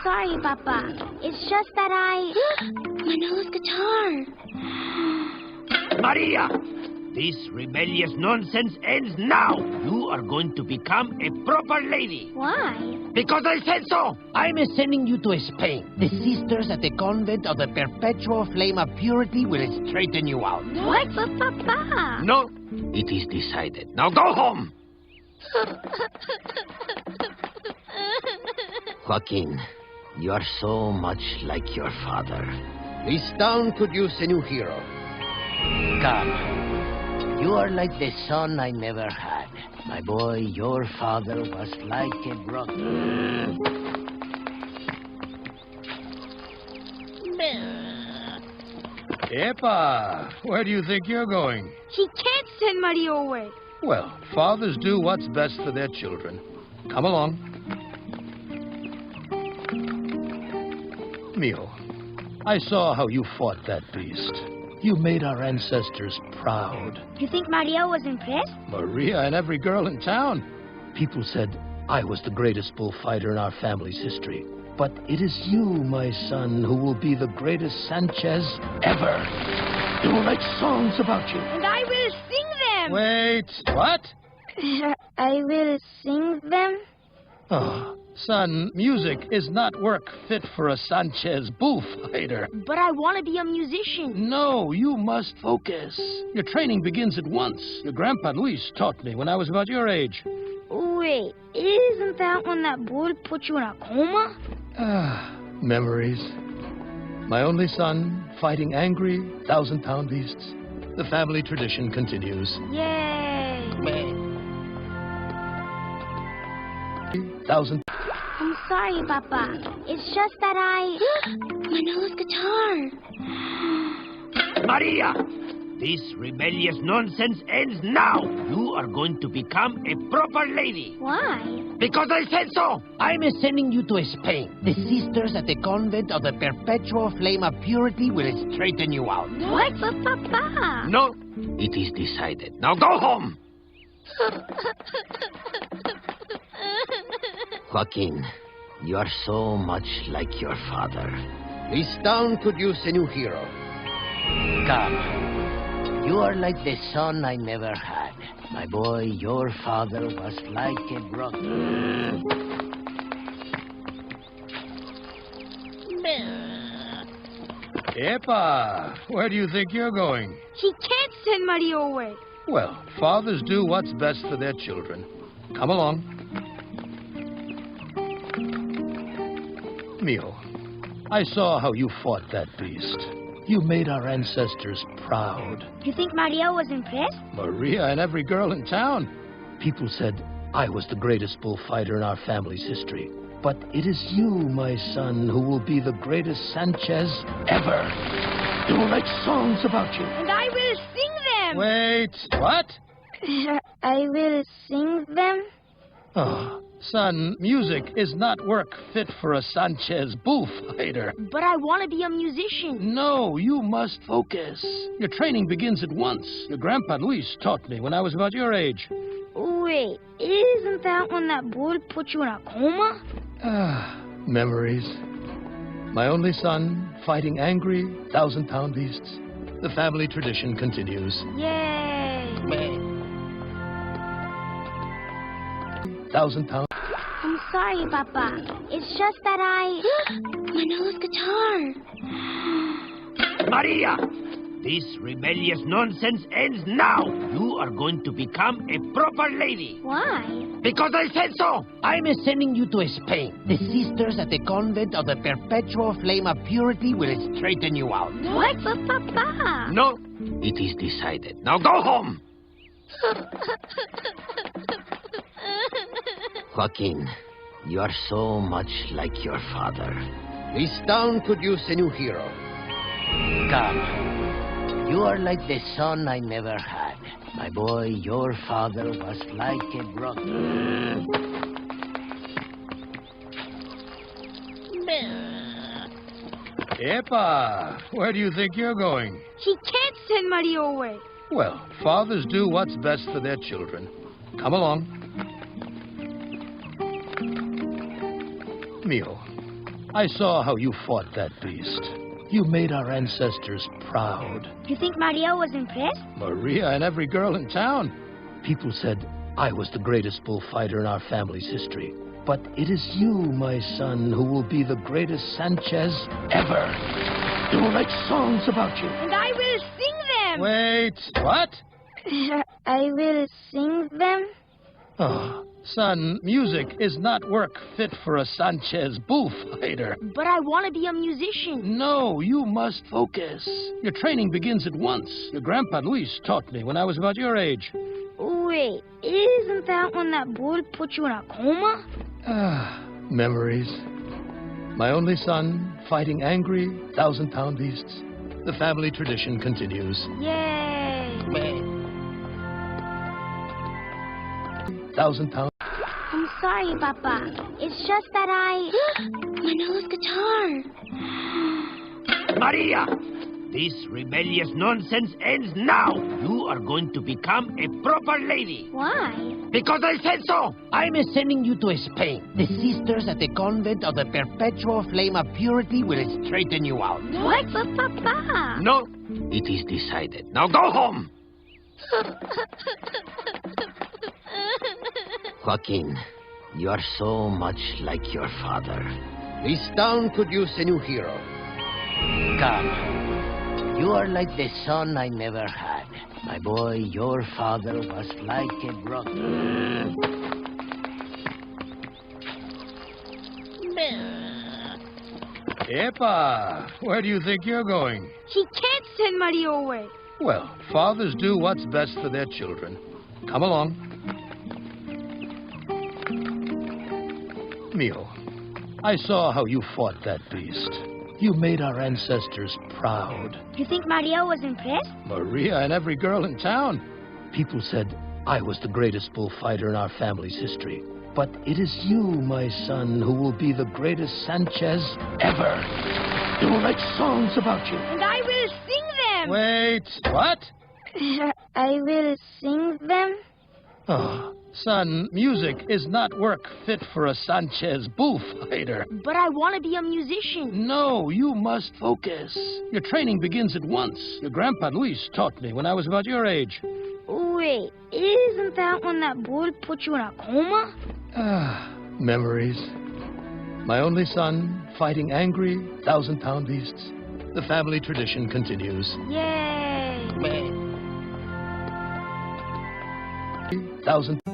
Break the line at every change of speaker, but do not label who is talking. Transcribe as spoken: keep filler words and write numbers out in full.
sorry, Papa. It's just that I... Manilo's guitar.
Maria! This rebellious nonsense ends now. You are going to become a proper lady.
Why?
Because I said so. I'm sending you to Spain. The sisters at the convent of the Perpetual Flame of Purity will straighten you out.
What? But, Papa...
No, it is decided. Now go home. Joaquin, you are so much like your father. This town could use a new hero. Come. You are like the son I never had. My boy, your father was like a brother.
Epa, where do you think you're going?
He can't send Mario away.
Well, fathers do what's best for their children. Come along. Mio, I saw how you fought that beast. You made our ancestors proud.
You think Mario was impressed?
Maria and every girl in town. People said I was the greatest bullfighter in our family's history. But it is you, my son, who will be the greatest Sanchez ever. They will write songs about you.
And I will sing them.
Wait, what?
I will sing them?
Oh, son, music is not work fit for a Sanchez bullfighter.
But I want to be a musician.
No, you must focus. Your training begins at once. Your grandpa Luis taught me when I was about your age.
Wait, isn't that when that bull put you in a coma?
Ah, memories. My only son, fighting angry, thousand-pound beasts. The family tradition continues.
Yay!
Thousand...
I'm sorry, Papa. It's just that I... Manilo's guitar.
Maria! This rebellious nonsense ends now. You are going to become a proper lady.
Why?
Because I said so. I'm sending you to Spain. The sisters at the convent of the Perpetual Flame of Purity will straighten you out.
What? But, Papa...
No, it is decided. Now go home. Joaquin, you are so much like your father. This town could use a new hero. Come. You are like the son I never had. My boy, your father was like a brother.
Epa, where do you think you're going?
He can't send Mario away.
Well, fathers do what's best for their children. Come along. Mio, I saw how you fought that beast. You made our ancestors proud.
You think Mario was impressed?
Maria and every girl in town. People said I was the greatest bullfighter in our family's history. But it is you, my son, who will be the greatest Sanchez ever. They will write songs about you.
And I will sing them.
Wait, what?
I will sing them?
Oh, son, music is not work fit for a Sanchez bullfighter.
But I want to be a musician.
No, you must focus. Your training begins at once. Your grandpa Luis taught me when I was about your age.
Wait, isn't that when that bull put you in a coma?
Ah, memories. My only son, fighting angry, thousand-pound beasts. The family tradition continues.
Yay!
Thousand pound.
I'm sorry, Papa. It's just that I... Manilo's guitar.
Maria! This rebellious nonsense ends now. You are going to become a proper lady.
Why?
Because I said so. I'm sending you to Spain. The sisters at the convent of the Perpetual Flame of Purity will straighten you out.
What? But, Papa...
No, it is decided. Now go home. Joaquin, you are so much like your father. This town could use a new hero. Come. You are like the son I never had. My boy, your father was like a brother.
Epa, where do you think you're going?
He can't send Mario away.
Well, fathers do what's best for their children. Come along. Mio, I saw how you fought that beast. You made our ancestors proud.
You think Maria was impressed?
Maria and every girl in town. People said I was the greatest bullfighter in our family's history. But it is you, my son, who will be the greatest Sanchez ever. They will write songs about you.
And I will sing them!
Wait, what?
I will sing them?
Oh, son, music is not work fit for a Sanchez bullfighter.
But I want to be a musician.
No, you must focus. Your training begins at once. Your grandpa Luis taught me when I was about your age.
Wait, isn't that when that bull put you in a coma?
Ah, memories. My only son, fighting angry, thousand-pound beasts. The family tradition continues.
Yay!
Thousand-pound...
I'm sorry, Papa. It's just that I... Manuel's guitar.
Maria! This rebellious nonsense ends now. You are going to become a proper lady.
Why?
Because I said so. I'm sending you to Spain. The sisters at the convent of the Perpetual Flame of Purity will straighten you out.
What? But, Papa...
No, it is decided. Now go home. Joaquin, you are so much like your father. This town could use a new hero. Come. You are like the son I never had. My boy, your father was like a brother.
Epa, where do you think you're going?
He can't send Maria away.
Well, fathers do what's best for their children. Come along. Mio, I saw how you fought that beast. You made our ancestors proud.
You think Maria was impressed?
Maria and every girl in town. People said I was the greatest bullfighter in our family's history. But it is you, my son, who will be the greatest Sanchez ever. They will write songs about you.
And I will sing them!
Wait, what?
I will sing them?
Oh, son, music is not work fit for a Sanchez bullfighter.
But I want to be a musician.
No, you must focus. Your training begins at once. Your grandpa Luis taught me when I was about your age.
Wait, isn't that when that bull put you in a coma?
Ah, memories. My only son, fighting angry, thousand-pound beasts. The family tradition continues.
Yay!
Thousand...